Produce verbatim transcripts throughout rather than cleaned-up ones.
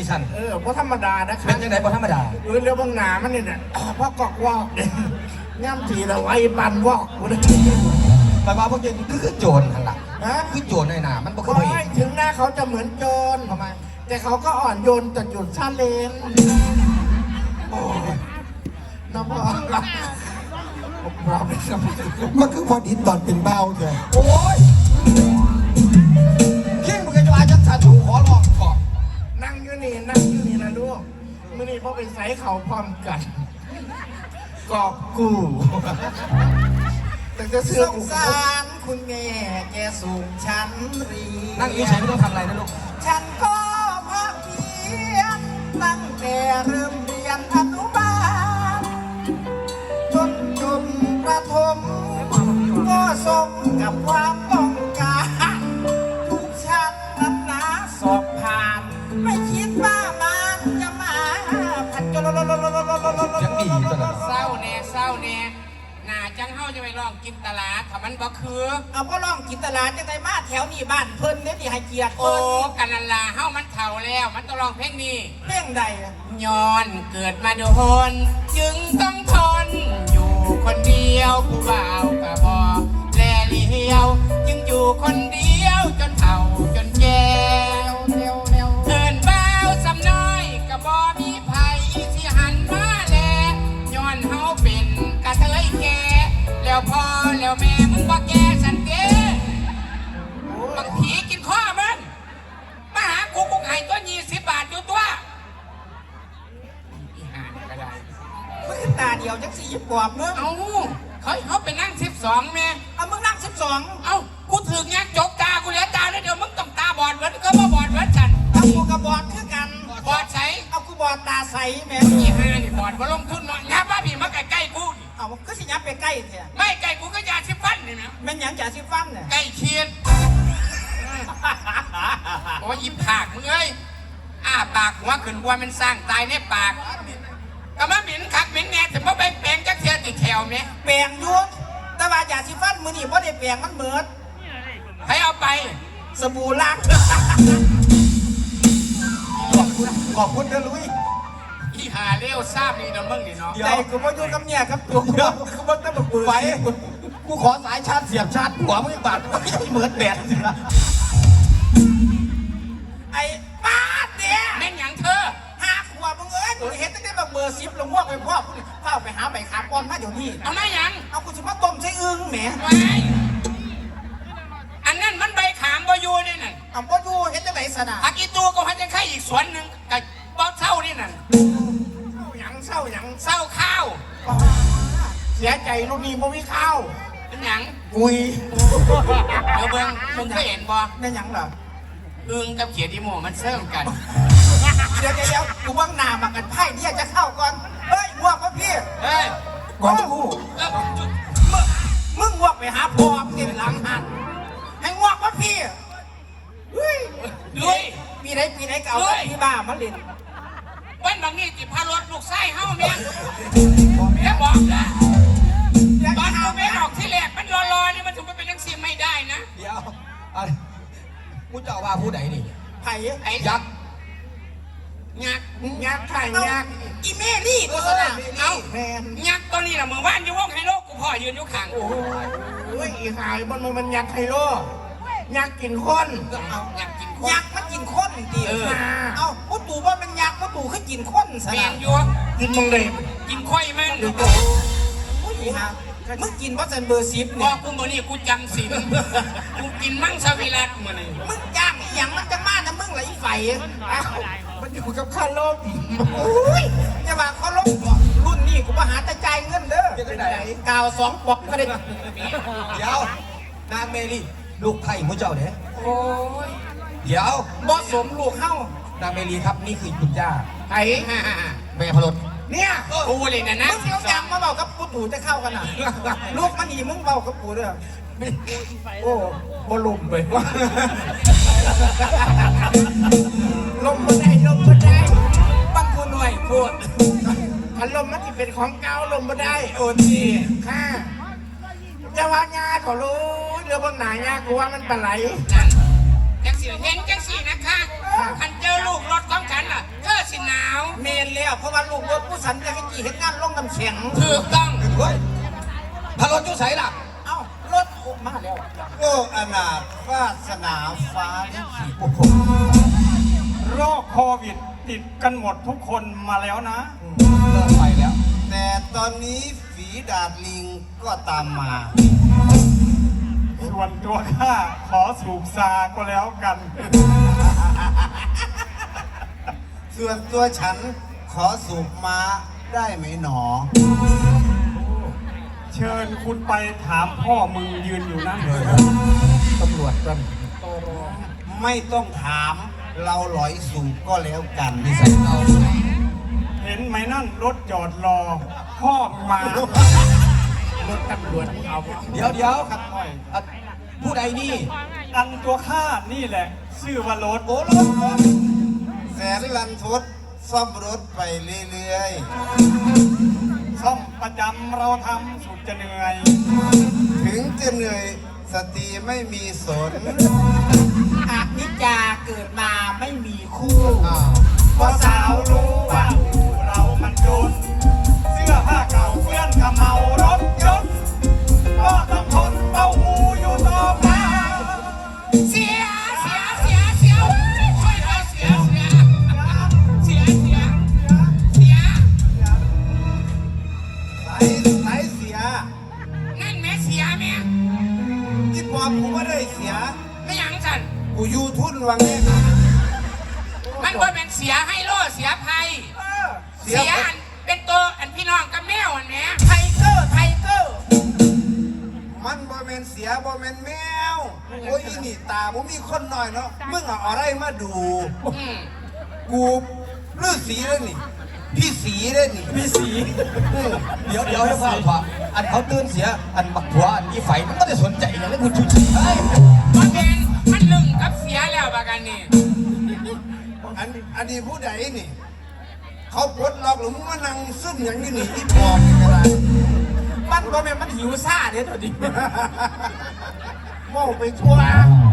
ฉันเออเพราะธรรมดานะคะเป็นยังไงเพราะธรรมดาเออเรื่องบางหนามันนี่เนี่ยพ่อกอกวอกย่ำทีละไว้ปันวอกกูเลยแต่ว่าพวกเจนคือคือโจรหันหลังฮะคือโจรในหนามันบ่เคยถึงหน้าเขาจะเหมือนโจรทำไมแต่เขาก็อ่อนโยนแต่หยุดชาเลนโอ้ยน้องพ่อมันคือพอดีตอนเป็นเบ้าเถอะโอ้ยขี้มึงจะอาจักสันถูขอลองก่อนนั่งอยู่นี่นั่งอยู่นี่นะลูกมื่อนี้พ่อไปใส่เขาพร้อมกันกอบกูแต่จะเสื้อกูสารคุณแม่แกสูงชั้นเรียนนั่งอยู่เฉยไม่ต้องทำอะไรนะลูกฉันก็พักเพียนตั้งแต่เริ่มเรียนอนุบาลจนจบประถมก็สมกับความต้องการทุกชั้นนั้นนะสอบผ่านไม่คิดว่ามันจะมาผัดจนยังดีตลอดเศร้าแน่เศร้าแน่หน้าจังเฮาจะไปลองกินตลาดถ้ามันบ่คือเอาก็ลองกินตลาดจังไดมาแถวนี้บ้านเพิ่นเนี่ยที่ให้เกียรติโอ้กันนันลาเฮามันเฒ่าแล้วมันต้องลองเพลงนี้เพลงใดย้อนเกิดมาโดนจึงต้องทนอยู่คนเดียวผู้บ่าวกะบ่แลเลี้ยวจึงอยู่คนเดียวจนเฒ่าจนแก่เอิ้นบ่าวสำน้อยกะบ่มีไผที่หันมาแลย้อนเฮาเป็นกะเทยแก่แล้วพ่อแล้วแม่มึงบ่แก่สันเด้บางผีกินข้อมันมาหากูกูให้ตัวยี่สิบบาทอยู่ตัวอีห่าก็ได้มึงตาเดียวจังสี่ปอบมึงเอาเขาเขาไปนั่งสิบสองแม่เอามึงนั่งสิบสองเอากูถือเงี้ยจกตากูเหลือตาแล้วเดี๋ยวมึงต้องตาบอดเหมือนก็มาบอดเหมือนฉันเอากูกับบอดคือกันบอดใสเอากูบอดตาใสแม่อีห่านี่บอดมาลงทุนหน่อยยับบ้าพี่มาใกล้ใกล้กูเอาก็สิยับไปใกล้เถอะไม่ใกล้กูก็ยาชิฟันนี่นะแม่นยังจ่าชิฟันเนี่ยใกล้เคียนโอ้ยยิ้มผากมึงเอ้ยอ้าปากหัวขึ้นวัวมันสร้างตายในปากก็มาหมิ่นคักหมิ่นแน่ถึงมาแปลงแปลงจักเทียติดแถวไหมแปลงยุดแต่ว่าจ่าชิฟันมือนี่เพราะได้แปลงมันเหมือดให้เอาไปสบู่ล้างขอบคุณขอบคุณเด้อลุยอีหาเลี้ยวทราบนี่นะมึงนี่เนาะใจกูมาอยู่กับเนี่ยครับตัวกูกูมาตั้งแต่ปืนไฟกูขอสายชาร์จเสียบชาร์จหัวมึงบาดไม่ใช่เหมือนแบดสิละไอ้ป้าเนี่ยแม่งอย่างเธอห้าขวบมึงเอ้ยกูเห็นตั้งแต่แบบเบอร์สิบลงพวกไปพ่อกูเข้าไปหาใบขาก้อนมาเดี๋ยวนี้เอาไม่ยังเอากูจะมาต้มใช้อึ้งแหมไว้อันนั้นมันใบขามบอยูนี่นั่นเอาบอยูเห็นจะไหนสนะอากิตัวก็ให้จะไข่อีกสวนหนึ่งกับบ้าเศร้านี่นั่นเศร้าหยังเศร้าหยังเศร้าข้าวเสียใจลูกนี้บ่มีข้าวเป็นหยังกุยเดี๋ยวเบิ้งมึงเคยเห็นบ่เป็นหยังเหรออึงกับเขียดอีโมมันเสื่อมกันเดี๋ยวเดี๋ยวกูว่างหนามากันไพ่เนี่ยจะเข้าก่อนเฮ้ยงวกวะพี่เฮ้ยก่อนกูมึงมึงงวกไปหาพ่อมึงหลังหันให้งวกวะพี่เฮ้ยด้วยปีไหนปีไหนเก่าพี่บ้ามาเล่นวันบางนี่จิพารถลูกไส้เฮ้าเมียแม่บอกนะตอนกูไม่ออกที่แรกมันรอๆนี่มันถึงไปเป็นนักเสียไม่ได้นะเดี๋ยวกูจะว่าผู้ไหนนี่ไผ่ไอ้ยักษ์ยักษ์ยักษ์ไผ่ยักษ์อีเมลี่ตัวสนามเอายักษ์ตัวนี้แหละมือว่านอยู่วงไฮโลกูพ่อยืนอยู่ข้างโอ้ยอีหายมันมันยักษ์ไฮโลยักษ์กินคนเอายักษ์กินคนยักษ์มันกินคนดีเอาพุตู่ว่ามันยักษ์พุตู่คือกินคนสนามอยู่กินมึงเลยกินค่อยมันโอ้ยฮะมึงกินว่าสันเบอร์ซิปเนี่ยกูมือนี่กูจำสิกูกินมั่งสวิรัตมือนี่มึงจ้างอย่างมันจะมานะมึงไหลไฟมันอยู่กับข้าลมโอ้ยจะมาข้าลมรุ่นนี้กูมาหาตะใจเงินเด้อกาวสองปอกก็ได้เดี๋ยวนางเมลี่ลูกไผ่มุ้เจ้าเนี่ยโอ้ยเดี๋ยวบอสมลูกเข้านางเมลี่ครับนี่คือคุณย่าไผ่แม่พลดเนี่ยกูเลยนะนะมึงเที่ยวจังมาเบากับปูตู่จะเข้ากันอ่ะลูกมันดีมึงเบากับปูเด้อโอ้บอลมไปลมมาได้ลมมาได้บังกูหน่วยพูดพัดลมมันที่เป็นของเก่าลมมาได้โอ้ดีค่ะจะว่างาขอรู้เรือบนไหนงากูว่ามันปลาไหลจังสีเห็นจังสีนะคะคันเจอลูกรถของฉันล่ะเมนแล้วเพราะว่าลูกรถผู้สันจะให้กี่เห็นงานลงน้ำแข็งถูกต้องเฮ้ยพารถจุใสล่ะเอ้ารถออกมาแล้วโอ้อนาถวาสนาฟ้าลิขิตโอ้โหโรคโควิดติดกันหมดทุกคนมาแล้วนะเลิกไปแล้ว แต่ตอนนี้ฝีดาดลิงก็ตามมาส่วนตัวข้าขอสูบซาก็แล้วกันส่วนตัวฉันขอสูบม้าได้ไหมหนอเชิญคุณไปถามพ่อมึงยืนอยู่นั่นเลยตำรวจกันไม่ต้องถามเราหลอยสูบก็แล้วกันเห็นไหมนั่นรถจอดรอ พ่อมึงมารถตำรวจเอาเดี๋ยวเดี๋ยวครับอ่ะผู้ใดนี่อันตัวข้านี่แหละ ชื่อว่ารถโอ้รถรถแสนลันทดซ่อมรถไปเรื่อยซ่อมประจำเราทำสุดจะเหนื่อยๆ ถึงจะเหนื่อยสติไม่มีสนหากนิจาเกิดมาไม่มีคู่พอสาวรู้ว่าเรามันจนเสื้อผ้าเก่าเพื่อนกับเมารถยนต์ก็ต้องทนเป้าหูอยู่ต่อไปเสียเสียเสียเสียช่วยเราเสียเสียเสียเสียเสียไหลไหลเสียนั่นแม่เสียแม่ที่ปอบกูไม่ได้เสียไม่หยังสันกูอยูทุนวังเนี่ยมันว่าเป็นเสียให้โลเสียภัยเสียอันเป็นตัวอันพี่น้องกับแมวอันแม่ไทเกอร์ไทเกอร์มันบ่แมนเสียบ่แมนแมว โอ้ยอีนี่ตาผมมีคนหน่อยเนาะ มึงเอาอะไรมาดูอืมกูฤาษีเลยนี่ พี่สีเลยนี่พี่สีเดี๋ยวเดี๋ยวให้ฟังว่าอันเขาตื่นเสีย อันบักผัวอันอีไฟมันก็ได้สนใจอย่างนี้คุณชูชีเฮ้ยมันเป็นมันลึงกับเสียแล้วบากันนี่อันอันนี้ผู้ใดนี่ เขาปลดล็อกหรือมึงมานั่งซึมอย่างนี้นี่ที่ปอบนี่ก็ได้มันก็แม่นมันหิวซ่าเด้ตัวดิโม่ไปทั่ว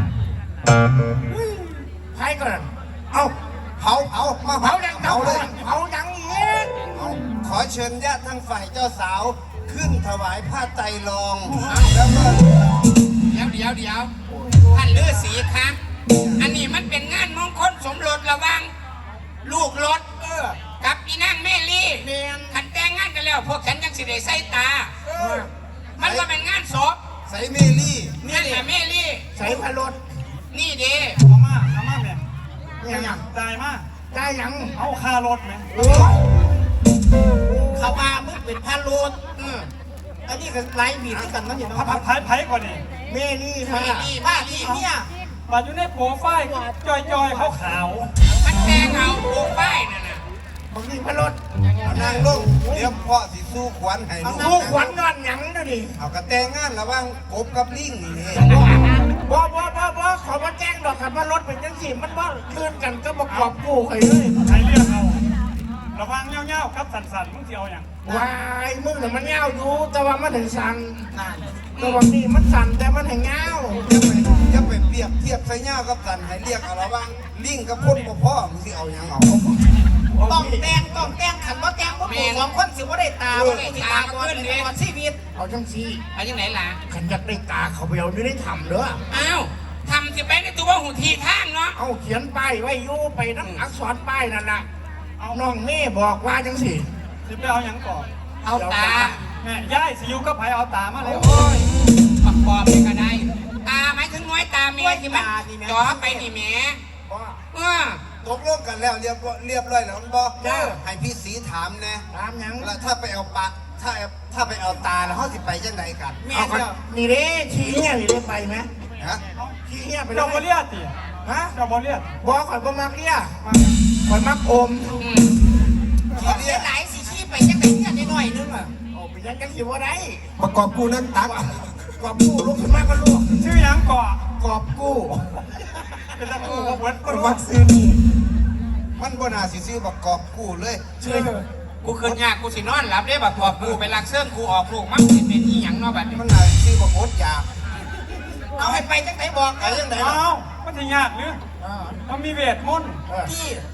ไทก่อนเอาเผาเผามาเผายังเผาเลยเผายังอีกเอาขอเชิญญาติทางฝ่ายเจ้าสาว ขึ้นถวายผ้าไตรรอง แล้วก็เดี๋ยวเดี๋ยวเดี๋ยวท่านฤาษีคะอันนี้มันเป็นงานมงคลสมรสระหวังลูกรถเออกับอีนางเมลี่เมียนขันแต่งงานกันแล้ว พวกฉันยังสิได้ใส่ตา มันก็เป็นงานศพใส่เมลี่นั่นแหละเมลี่ใส่พะรถนี่เด้เอามาเอามาแม่ยังยังได้มาได้ยังเอาค่ารถไหมโอ้ยเขาว่ามึงเป็นพะรถเอออันนี้ก็ไล่บีดด้วยกันนั่นเห็นพับไหมไผ่ไผ่ก่อนนี่เมลี่ค่ะผ้าที่เนี่ยมาอยู่ในโปรไฟล์จอยจอยๆขาวขาวมันแต่งเอาโปรไฟล์นั่นน่ะบางทีพะรถเอานางลงเดี๋ยวพ่อสิสู้ขวัญให้ลูกลูกขวัญนอนหยังดูดิเอากระแต่งงานระหว่างกบกับลิงนี่บ่บ่บ่บ่ขอมาแจ้งดอกครับว่ารถเป็นจังสี่มันว่าคืนกันก็ประกอบกู้ไปเลยๆใครเรียกเอาระวังเงี้ยวๆกับสันๆมึงสิเอาอย่างวายมึงน่ะมันเงาอยู่แต่ว่ามันถึงสั่นแต่ว่านี่มันสั่นแต่มันถึงเงาอย่าไปเปรียบเทียบใส่เงากับสันให้เรียกเอาระหว่างลิงกับคนบ่พ่อมึงสิเอาหยังเอาต้องแต่งต้องแต่งขันว่าแต่งพวกกูสองคนสิว่าได้ตาว่าได้ตาก่อนในตลอดชีวิตเอาจังสี่เอาจังไหนล่ะขันอยากได้ตาเขาไปเอาอยู่ได้ทำเด้ออ้าวทำสิไปในตัวหูทีทางเนาะเอาเขียนป้ายไว้อยู่ไปน้ำอักษรป้ายนั่นล่ะเอาน้องเม่บอกว่าจังสี่สิไปเอาอย่างก่อนเอาตาแม่ย่ายสิอยูกับไผ่เอาตามาแล้วโอ้ยประกอบไปก็ได้ ตาหมายถึงน้อยตาเมียที่มันจ่อไปนี่แหม่เออตกลงกันแล้วเรียบร้อยเรียบร้อยแล้วมันบ่ให้พี่สีถามแน่ตามหยังแล้วถ้าไปเอาปากถ้าถ้าไปเอาตาแล้วเขาสิไปจังไดกันเอากันนี่เด้ชี้เนี่ยนี่ได้ไปไหมฮะชี้เนี่ยไปเลเจ้าบอย เลียดติฮะเจ้าบอเลียดบอกข่อยบ่มักเลี้ยข่อยมักอมอืมทีเดียวหลายสิชี้ไปจังไดเนี่ยน้อยๆนึงอ่ะโอ้ไปยังจังสิบ่ได้ประกอบกูนั่นตักกอบกู้ลุกขึ้นมาก็ลูกชื่อหยังก่อกอบกู้เป็นตะกูกับเวิร์ดก็คนรู้วัดซื้อนี่มันบ่น่าสิซื้อประกอบกู้เลยช่วยกูคืนยากกูสินอนหลับได้บักตัวกูไปลักเสื่องกูออกลูกมันสิเป็นอีหยังเนาะบัดนี้มันน่าสิซื้อประโคตรยาเอาให้ไปจังไดบอกไปจังไดเอ้ามันจะยากหรือมันมีเวทมนต์พี่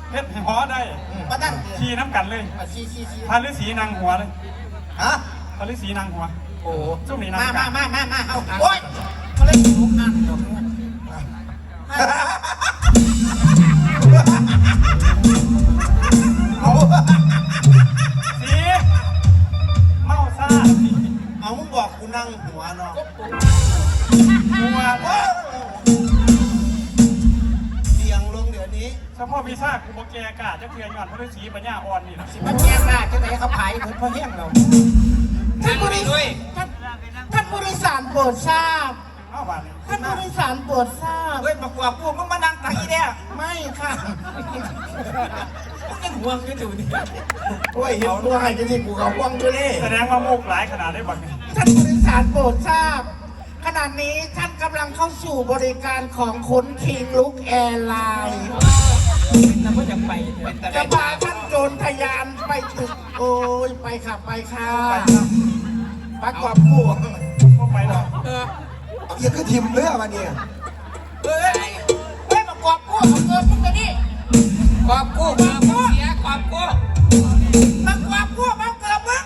เฮ็ดให้หอได้มาตั้งขี่น้ำกันเลยชี้ชี้ชี้พาฤาษีนางหัวเลยฮะพาฤาษีนางหัวโอ้ช่วงนี้นางมากัมาน มามามาเอาโอ้ยมาเล่นลูกอันเดี๋ยวนี้เอาสีเมาซ่าเอามึงบอกกูนั่งหัวเนาะหัวเสียงลงเดี๋ยวนี้เฉพาะวีซ่ากูบอกแกกาจะเพียงหย่อนพาฤาษีปัญญาอ่อนนี่นะมันแย่หน้าจะไหนเขาผายเหมือนพ่อแห้งเรานั่งไปด้วยท่านท่านผู้โดยสารโปรดทราบเอาบ้านนี้ท่านผู้โดยสารโปรดทราบเฮ้ยมากว่ากูมึงมานั่งตังอีเนี่ยไม่ค่ะยังห่วงกันอยู่นี่โอ้ยเห็นตัวให้กันที่กูเขาห่วงอยู่นี่แสดงว่าโมกหลายขนาดได้บักนี่ท่านผู้โดยสารโปรดทราบ ขณะนี้ท่านกำลังเข้าสู่บริการของคนคิงลุกแอร์ไลน์จะพาท่านโจรทะยานไปตึกโอ้ยไปค่ะไปค่ะไปครับประกอบผู้ก็ไปหรอกเออเอียก็ทิมเรือมาเนี่ยเฮ้ยเฮ้ยประกอบผู้เอาเกินมึงจะนี่กอบกู้เกือบเสียกอบกู้ประกอบผู้เอาเกินมึง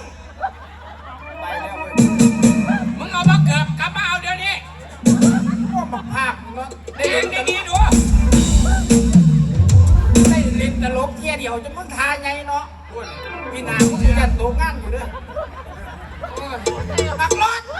มึงเอามาเกือบกลับมาเอาเดี๋ยวนี้พวกมาภาคเนาะเด็กดีๆดูได้เล่นตลกเที่ยเดียวจะมึงทาไงเนาะพี่นามึงจะตัวงานอยู่เด้อปักรถ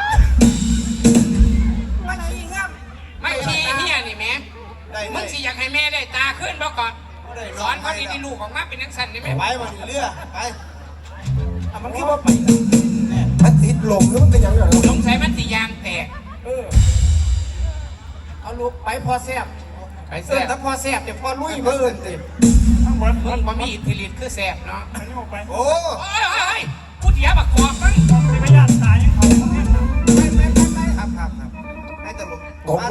มาขี้งามไม่ชี้เฮียนี่แม่มึงสิอยากให้แม่ได้ตาขึ้นบ่ก่อนสอนเขาดีๆลูกของมาเป็นนักสั่นได้ไหมไปมาถึงเรือไปอ่ะมันคิดว่าไปมันติดลมแล้วมันเป็นยังไงสงสัยมันสิยางแตกเออเอาลูกไปพอแซ่บไปเอแซ่อบ ถ้าพอแซ่บเดี๋ยวพอลุยเบิ่นติทั้งหมดมึงบ่มีอิทธิฤทธิ์คือแซ่บเนาะไปนี่ออกไปโอ้